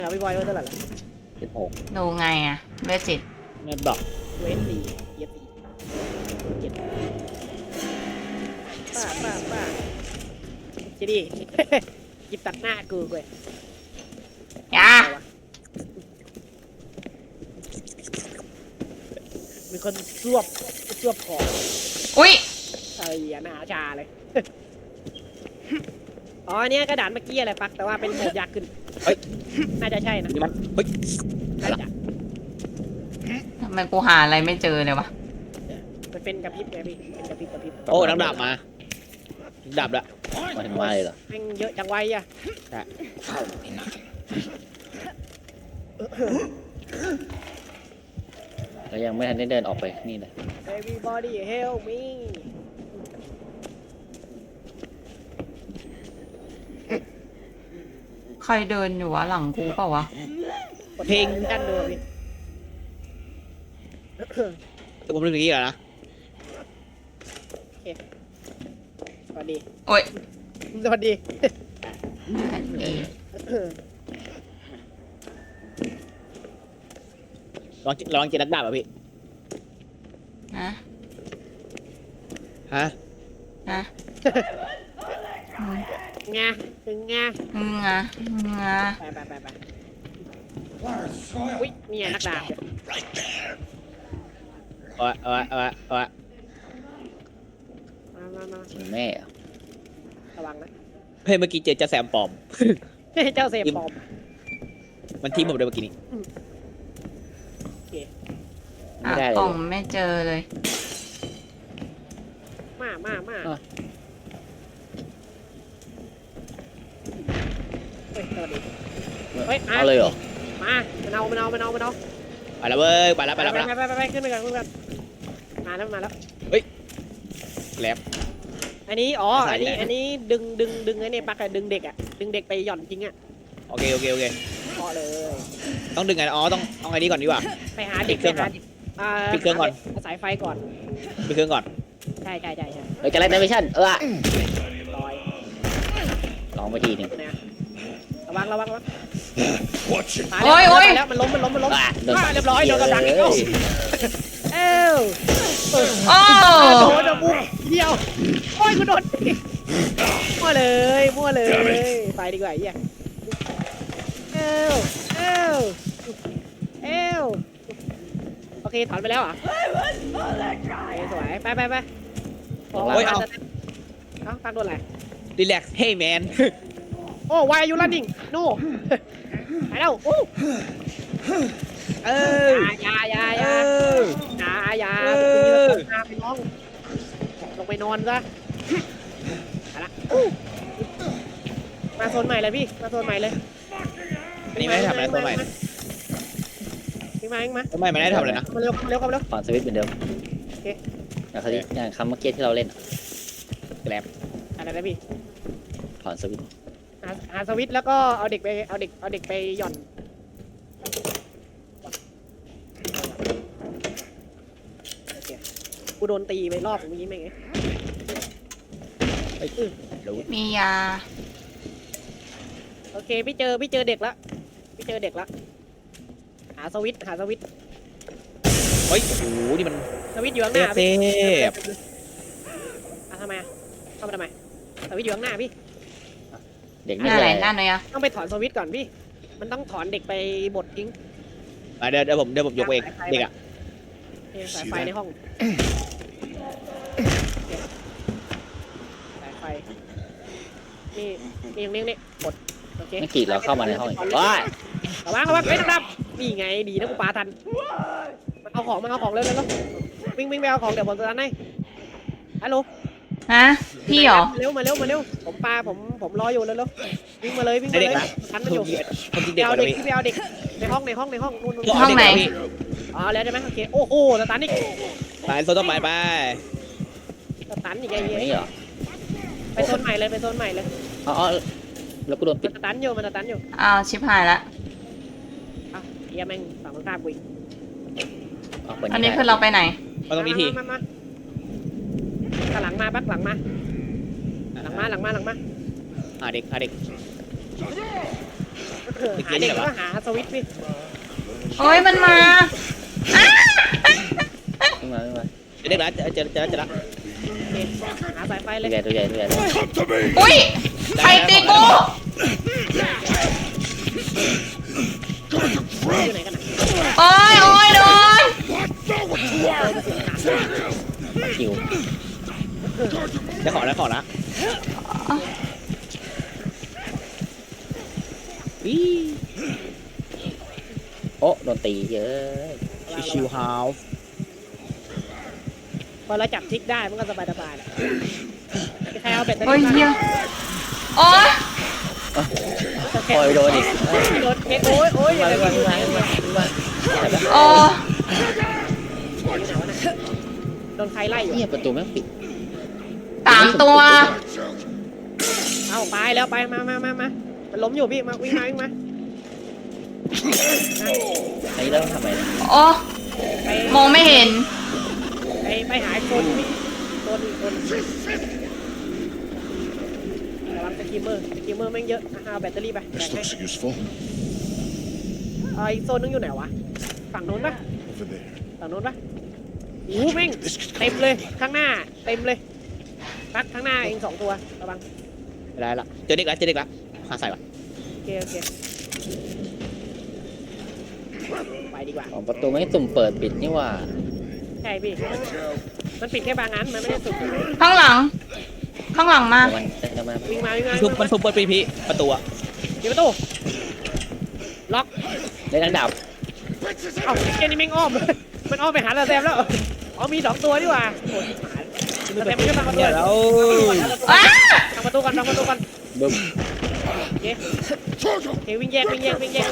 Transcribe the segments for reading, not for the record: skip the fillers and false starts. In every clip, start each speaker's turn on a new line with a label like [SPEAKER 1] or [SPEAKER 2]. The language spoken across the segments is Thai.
[SPEAKER 1] พี่บอยเท่าไหร่ละ
[SPEAKER 2] 16
[SPEAKER 3] ดูไงอะเวจิต
[SPEAKER 2] ในบล็อก
[SPEAKER 1] เวนดีเย็บดีเย็บป้าจีดีหยิบตัดหน้ากูเว้ย
[SPEAKER 3] ยา
[SPEAKER 1] มีคนซวบของ
[SPEAKER 3] อุ้ย
[SPEAKER 1] หน้าชาเลยอ๋อเนี้ยกระดานเมื่อกี้อะไรปักแต่ว่าเป็นโหมดยากขึ้นน่าจะใช่นะ
[SPEAKER 2] นี่มันเฮ้ย
[SPEAKER 1] น่าจะ
[SPEAKER 3] ทำไมกูหาอะไรไม่เจอเลยวะ
[SPEAKER 1] มันเป็นกระพริบไงพี่เป็นกระพริบ
[SPEAKER 2] โอ้นักดาบมาดาบละมาถึงมาเลยเหรอ
[SPEAKER 1] แม่งเยอะจังไวอ่ะ
[SPEAKER 2] แล้วยังไม่ทันได้เดินออกไปนี่เลย
[SPEAKER 1] Everybody help me
[SPEAKER 3] ใครเดินอยู่วะหลังกูเปล่าวะ
[SPEAKER 1] เพลงกันดูพี่
[SPEAKER 2] แต่ผมนึกอย่างนี้ก่อนนะ
[SPEAKER 1] สวัสดี
[SPEAKER 3] โอ้ย
[SPEAKER 1] สวัสดี
[SPEAKER 3] อันนี้
[SPEAKER 2] ลองเจอนักดาบอ่ะพี่
[SPEAKER 3] นะ
[SPEAKER 2] ฮะ
[SPEAKER 3] นะ
[SPEAKER 1] งาถึงงา
[SPEAKER 3] งา
[SPEAKER 1] ไปอุ้ยเนี่ยนักดาบ
[SPEAKER 2] เอา
[SPEAKER 1] มา
[SPEAKER 2] แม่อะ
[SPEAKER 1] ระวังนะ
[SPEAKER 2] เฮ้ยเมื่อกี้เจอเจ้าแซมปลอม
[SPEAKER 1] เจ้าเซฟปอม
[SPEAKER 2] มันทิ้งผมเลยเมื่อกี้นี้
[SPEAKER 3] หากล่องไม่เจอเลย
[SPEAKER 1] มาเฮ้ยสวัสดีเฮ้ย
[SPEAKER 2] เอาเลยเหรอ
[SPEAKER 1] มามันเอา
[SPEAKER 2] ไปแล้วเว้ยไปแล้ว
[SPEAKER 1] ไปขึ้นไปกันมาแล้วแล็บอันนี้อันนี้ดึงไอ้นี่ปักอะดึงเด็กอะดึงเด็กไปหย่อนจริงอะ
[SPEAKER 2] โอเค
[SPEAKER 1] พอเลย
[SPEAKER 2] ต้องดึงไงอ๋อต้องเอาไงดีก่อนดีกว่า
[SPEAKER 1] ไปหาเด็ก
[SPEAKER 2] ปิดเครื่องก่อน
[SPEAKER 1] สายไฟก่อน
[SPEAKER 2] ไปเครื่องก่อน
[SPEAKER 1] ใช่
[SPEAKER 2] เฮ้ยจะไล่ไดเมชั่น
[SPEAKER 1] ลอย
[SPEAKER 2] ลองไปทีนึง
[SPEAKER 1] นะระวัง
[SPEAKER 3] โอ้ย
[SPEAKER 1] แล้วมันล้ม
[SPEAKER 2] โดน
[SPEAKER 1] เรียบร้อยโดนกระดังอีกเอ้า
[SPEAKER 3] โอ้
[SPEAKER 1] โดนจะบุกเดียวโอ้ยกูโดนมั่วเลยไปดีกว่าไอ้เหี้ยเอ้วโอเคถอนไปแล้วเหรอสวยไปโอ้ยเอาตั้งโดนอะไร
[SPEAKER 2] รีแลกซ์เฮ้ยแมน
[SPEAKER 1] โอ้ why are you running no ไปแล้วโอ้อย่าไปน้องลงไปนอนซะไปละมาโซนใหม่เลยพี่มาโซนใหม่เลย
[SPEAKER 2] อันนี้ไม่ได้ทำอะไรตัวใหม่
[SPEAKER 1] พี่มาเองมา
[SPEAKER 2] ตัวใหม่ไม่ได้ทำเลยนะ
[SPEAKER 1] มาเร็ว
[SPEAKER 4] ถอนสวิตช์เหมือนเดิม
[SPEAKER 1] โอเค
[SPEAKER 4] อย่างคำเมื่อกี้ที่เราเล่น
[SPEAKER 2] แกลบ
[SPEAKER 1] อะไรนะพี่
[SPEAKER 4] ถอนสวิตช์
[SPEAKER 1] หาสวิตช์แล้วก็เอาเด็กไปหย่อนโอเคกูโดนตีไปรอบเมื่อกี้ไหมไง
[SPEAKER 3] มียา
[SPEAKER 1] โอเคพี่เจอเด็กละหาสวิตช์
[SPEAKER 2] เฮ้ยโอ้โหนี่มัน
[SPEAKER 1] สวิตช์อยู่ข้างห
[SPEAKER 2] เท
[SPEAKER 1] น้า
[SPEAKER 2] พ
[SPEAKER 1] พี่ทำไมเข้ามาทำไมสวิตช์อยู่ข้างหน้าพี่
[SPEAKER 4] เด็ก
[SPEAKER 3] ห
[SPEAKER 4] นี่
[SPEAKER 3] น้า
[SPEAKER 4] เล
[SPEAKER 3] ไหน
[SPEAKER 4] ย
[SPEAKER 3] หน้าไหนอะ
[SPEAKER 1] ต้องไปถอนสวิตช์ก่อนพี่มันต้องถอนเด็กไปบดทิ้ง
[SPEAKER 2] เดี๋ยวผมยกเองเด็กอ่ะ
[SPEAKER 1] สายไฟในห้องสายไฟนี่กดโอเค
[SPEAKER 4] ไม่กี่เราเข้ามาในห้องอีกว้าย
[SPEAKER 1] ระวังไม่ต้องดับนี่ไงดีนะกูปาทันมันเอาของเร็ววิ่งไปเอาของเดี๋ยวผมจะทันให้ฮัลโหล
[SPEAKER 3] ฮะพี่เหรอ
[SPEAKER 1] เร็วมาเร็วผมรออยู่เร็ววิ่งมาเลยทันมันอยู่
[SPEAKER 2] ผมจริง
[SPEAKER 1] ไป
[SPEAKER 2] เด็ก
[SPEAKER 1] เอา
[SPEAKER 2] กว่า
[SPEAKER 1] เด็ก
[SPEAKER 2] พี่
[SPEAKER 1] ไปเอาเด็กในห้องนู่น
[SPEAKER 3] ห้องไหน
[SPEAKER 1] อ๋อแล้วใช่ไหมโอเคโอ้โหสตันอีก
[SPEAKER 2] ไปโซนต้นไม้ไป
[SPEAKER 1] สตันอีกไอ้เหี้
[SPEAKER 4] นี่
[SPEAKER 1] ย
[SPEAKER 4] เหรอ
[SPEAKER 1] ไปโซนใหม่เลย
[SPEAKER 4] อ๋อแล้วกูโดนปิ
[SPEAKER 1] มั
[SPEAKER 4] ด
[SPEAKER 1] นสตันอยู่
[SPEAKER 3] อ้าวชิบหายละ
[SPEAKER 1] อ้าวเฮียแม่งฝั่งตรงข้ามกูอีก
[SPEAKER 4] เปิด
[SPEAKER 3] อันนี้คือเราไปไหน
[SPEAKER 2] มาตรงนี้ที
[SPEAKER 1] มาหลังมาปักหลังมาหาเด็กหาเด็กก็หาสวิตช์พี่
[SPEAKER 3] โอ้ยมันมาอ้า
[SPEAKER 4] ขึ้นมาขึ้นมา
[SPEAKER 2] เด็กละจะละ
[SPEAKER 1] โอเคหาสายไฟเลย
[SPEAKER 4] ตัวใหญ่ตัวใหญ่ตัวใหญ่
[SPEAKER 3] อุ้ยใครตีกู
[SPEAKER 1] อยู่ไหนกันนะ
[SPEAKER 3] โอ้ยโอ้ยโดน
[SPEAKER 4] คิว
[SPEAKER 2] จะขอแล้ววิ
[SPEAKER 4] โอ้โดนตีเยอะ
[SPEAKER 2] ชิวฮาว
[SPEAKER 1] พอเราจับทิกได้มันก็สบายๆแหละใครเอาแบตเตอ
[SPEAKER 3] โอ้ย
[SPEAKER 1] รี่
[SPEAKER 3] เฮียโอ้ย
[SPEAKER 4] ปล่อยโดนอีก
[SPEAKER 1] รถโอ้ยโอ้ย
[SPEAKER 4] มา
[SPEAKER 1] อะไร
[SPEAKER 4] ขึ้น
[SPEAKER 1] กัน
[SPEAKER 4] มาขึ้นมาขึ้นมา
[SPEAKER 3] โอ้
[SPEAKER 1] โดนใครไล่อยู่
[SPEAKER 4] เนี่ยประตูแม่งปิด
[SPEAKER 3] 3 ตัว
[SPEAKER 1] เอาไปแล้วไปมามันล้มอยู่พี่มาวิ่งมา
[SPEAKER 4] อันนี้เราต้องทำอะไรเนี่ย
[SPEAKER 3] โอ้
[SPEAKER 1] ไป
[SPEAKER 3] มองไม่เห็น
[SPEAKER 1] ไปหาโซนพี่โซนระวังสกิมเมอร์แม่งเยอะเอาแบตเตอรี่ไปแบ่ง
[SPEAKER 5] This
[SPEAKER 1] ให้
[SPEAKER 5] looks useful.
[SPEAKER 1] อีกโซนนึงอยู่ไหนวะฝั่งโน้นปะ
[SPEAKER 5] Over there.
[SPEAKER 1] ฝั่งโน้นปะโอ้แม่งเต็มเลยข้างหน้าเต็มเลยปักข้างหน้าเอง2 ตัวระวัง
[SPEAKER 2] ได้ละเจอเด็กละหาใส่ก่อน
[SPEAKER 1] โอเคไปดีกว่า
[SPEAKER 4] อ๋อประตูไม่สุ่มเปิดปิดนี่ว่า
[SPEAKER 1] ใช่พี่มันปิดแค่บางอันมันไม่ได้สุด
[SPEAKER 3] ข้างหลังมา
[SPEAKER 4] จะมา
[SPEAKER 1] วิ่งมา
[SPEAKER 2] มันซุปเปิดปีประตูอะ
[SPEAKER 1] เดี๋ยวประตูล็อก
[SPEAKER 4] ได้ทั้งดาบ
[SPEAKER 1] เอ้าเจนี่แม่งอ้อม มันอ้อมไปหาเราแซมแล้วอ๋อมี2 ตัวดีกว่าโอ้ยเราแซมไม่ใช่ทางประตู
[SPEAKER 2] เนี่ยแล้ว
[SPEAKER 3] อ้า
[SPEAKER 1] ทางประตูก่อน
[SPEAKER 4] บึ้ม
[SPEAKER 1] โอเควิ่งแยกก่อน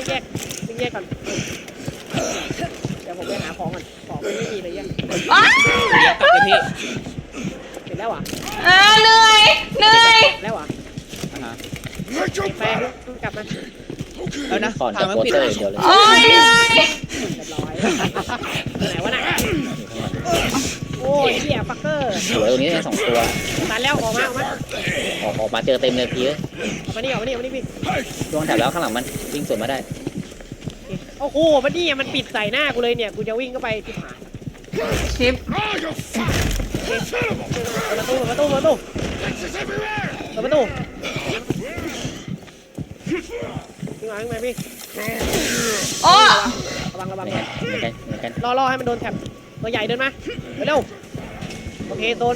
[SPEAKER 1] เดี๋ยวผมไปหาของก่อนของมันไม่มีเลยยัง
[SPEAKER 3] อ้า
[SPEAKER 2] เดี๋ยวกลับไปพี่
[SPEAKER 1] เสร็จแล้วอ่ะ
[SPEAKER 3] เหนื่อย
[SPEAKER 1] แล้วอ่ะไปกลับมา
[SPEAKER 2] แล้วนะ
[SPEAKER 4] ก่อน
[SPEAKER 2] ทา
[SPEAKER 4] จะ
[SPEAKER 2] งมัน
[SPEAKER 4] โปส
[SPEAKER 2] ปิด
[SPEAKER 4] เตอร์เดียวเลย
[SPEAKER 3] โอ้ยเหนื่อย
[SPEAKER 1] เรียบร้อยไหนวะน่ะโอ้ยเหี้ยฟักเกอร์
[SPEAKER 4] สวยตรงนี้ได้2 ตัว
[SPEAKER 1] ตันแล้วออกมา
[SPEAKER 4] ออกมาเจอเต็มเลยพี่
[SPEAKER 1] ออกมานี่พี่
[SPEAKER 4] ช่วงแถบแล้วข้างหลังมันวิ่งสวนมาได้
[SPEAKER 1] โอ้โหมันนี่มันปิดใส่หน้ากูเลยเนี่ยกูจะวิ่งเข้าไปที่ผ่าน
[SPEAKER 3] ชิป
[SPEAKER 1] ประตูวิ่งมาพี่
[SPEAKER 3] โอ้
[SPEAKER 1] ระวัง
[SPEAKER 4] เหมือนกัน
[SPEAKER 1] รอให้มันโดนแท็บตัวใหญ่เดินมาเร็วโอเคโดน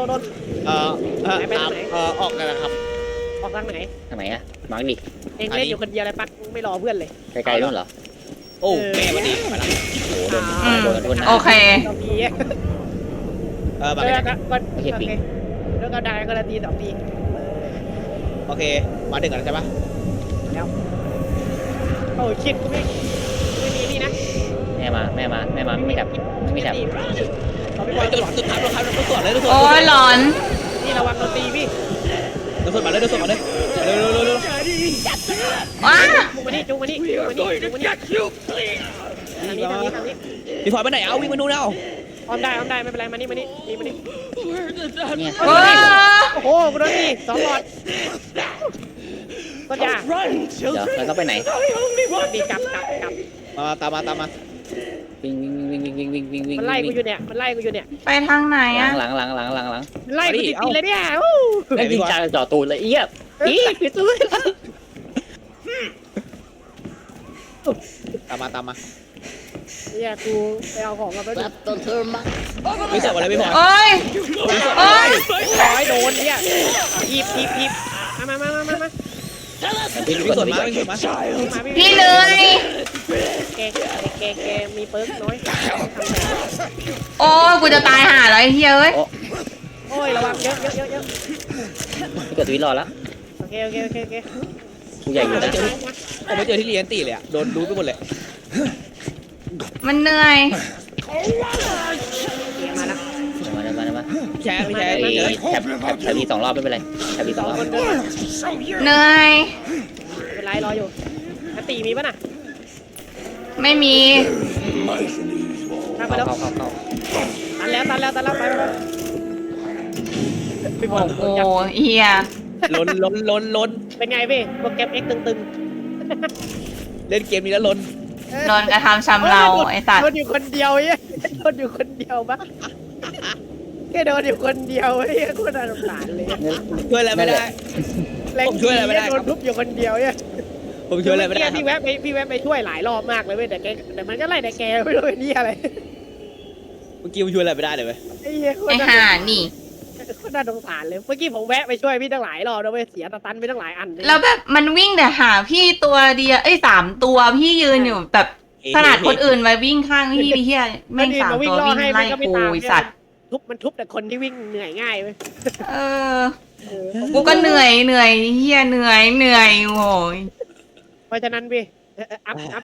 [SPEAKER 2] ออกกันนะครับ
[SPEAKER 1] ออกทางไหน
[SPEAKER 4] ทางไหนอะมาร์กดิ
[SPEAKER 1] เองเล่นอยู่คนเดียวเลยปักไม่รอเพื่อนเลย
[SPEAKER 4] ไกลๆนู่นเหรอ
[SPEAKER 2] โอ้แม่วันนี้มาแล้ว
[SPEAKER 4] โอ้โดนโดนนะ
[SPEAKER 3] โอเค
[SPEAKER 1] 2 ที
[SPEAKER 2] แบบ
[SPEAKER 1] โอเคแล้วก็ได้ก็ละที2 ที
[SPEAKER 2] โอเคมาถึงกันใช่ปะ
[SPEAKER 1] แล้วโอ้ชิดกูไม่มีนี่นะ
[SPEAKER 4] แม่มาไม่จับไม่จับ
[SPEAKER 1] เราไม่บอล
[SPEAKER 2] จุดสุดท้ายเราตรวจเลย
[SPEAKER 3] โอ้ยหลอน
[SPEAKER 1] นี่ระวังโดนตีพี่
[SPEAKER 2] เราตรวจมาเลยเร็ว
[SPEAKER 3] ว้า
[SPEAKER 1] จุกมานี่ทางนี้
[SPEAKER 2] พี่พลอยไปไหนเอาวิ่งมาดูเอา
[SPEAKER 1] อ้อมได้ไม่เป็นไรมานี่
[SPEAKER 4] เนี่ย
[SPEAKER 3] โอ้
[SPEAKER 1] โอ้โหกูโดนตี2 หลอดก็จ้า
[SPEAKER 4] เดี๋ยวแล้วก็ไปไหน
[SPEAKER 1] ดีกลับ
[SPEAKER 2] ตามมา
[SPEAKER 4] วิ่ง
[SPEAKER 1] มันไล่กูอยู่เนี่ย
[SPEAKER 3] ไปทางไหนอะ
[SPEAKER 4] หลัง
[SPEAKER 1] มันไล่กูติดเลยเนี่ย
[SPEAKER 4] ไอ้ยิงจ่าจ่อตูนเลยเอี้ยปิดตู้
[SPEAKER 2] ตามมา
[SPEAKER 1] เนี่ยกูไปเอาของมาไป
[SPEAKER 2] ไม่จับอะไรไม่พอ
[SPEAKER 3] โอ้ยโอ้ย
[SPEAKER 1] ร้อยโดนเนี่ยหีบมา
[SPEAKER 2] พี่ส่วนมา
[SPEAKER 3] พี่เหนื่อย
[SPEAKER 1] แกมีเปิร์กน้อย
[SPEAKER 3] โอ้ยกูจะตายห่าแล้วไอ้เหี้ยเอ้ย
[SPEAKER 1] โอ้ยระวังเยอะ
[SPEAKER 4] เกิดวิรอแล้ว
[SPEAKER 1] โอเค
[SPEAKER 4] ผู้ใหญ่อยู่นะ
[SPEAKER 2] ผมไม่เจอที่เรียนตีเลยอะโดนรู้ไปหมดเลย
[SPEAKER 3] มันเหนื่อย
[SPEAKER 1] มาแล้ว
[SPEAKER 4] มา
[SPEAKER 2] แชร์
[SPEAKER 4] ไอ้แถบที2 รอบไม่เป็นไรแถบที2 รอบ
[SPEAKER 1] คนเดิน
[SPEAKER 3] เหนื่อย
[SPEAKER 1] เป็นไรรออยู่ตีมีป่ะน่ะ
[SPEAKER 3] ไม่มี
[SPEAKER 1] ทางไปแล้ว
[SPEAKER 4] เข้า
[SPEAKER 1] ตันแล้วไปพี่บอล
[SPEAKER 3] โอ้เหี้ย
[SPEAKER 2] ล้น
[SPEAKER 1] เป็นไงพี่โปรแกรม X ตึง
[SPEAKER 2] เล่นเกมนี้แล้วลน
[SPEAKER 3] โดนกระทำชำเราไอ้สัต
[SPEAKER 1] โด
[SPEAKER 3] ว์
[SPEAKER 1] นอยู่คนเดียวเอ้ยโดนอยู่คนเดียวปะแค่โดนอยู่คนเดียวเอ้ยโคตรน่าสงสารเลย
[SPEAKER 2] ช่วยอะไรไม่ได้
[SPEAKER 1] แรง
[SPEAKER 2] ผมช่วยอะไรไม่ได้
[SPEAKER 1] โดนทุบอยู่คนเดียวเนี่ย
[SPEAKER 2] ผมช่วยอะไรไม่ได้
[SPEAKER 1] พี่แวะไปช่วยหลายรอบมากเลยเว้ยแต่มันก็ไล่แต่แกไม่รู้เป็นนี่อะไร
[SPEAKER 2] เมื่อกี้ผมช่วยอะไรไม่ได้เลยเว้ย
[SPEAKER 1] ไอ้เหี้ยโคต
[SPEAKER 3] ไอ้
[SPEAKER 1] รน่า
[SPEAKER 3] ห่านี่
[SPEAKER 1] โคตรน่าสงสารเลยเมื่อกี้ผมแวะไปช่วยพี่ตั้งหลายรอบนะเว้ยเสียตะตันไปตั้งหลายอันเลย
[SPEAKER 3] แล้วแบบมันวิ่งแต่หาพี่ตัวเดียว3 ตัวพี่ยืนอยู่แบบขนาดคนอื่นมาวิ่งข้างพี่เฮียแม่ง3 ตัววิ่งไล่กูไอ้สัตว์
[SPEAKER 1] มันทุบแต่คนที่วิ่งเหนื่อยง่ายเว้ย
[SPEAKER 3] เออกูก็เหนื่อยเฮียเหนื่อยโอ้ย
[SPEAKER 1] เพราะฉะนั้นพี่อัพ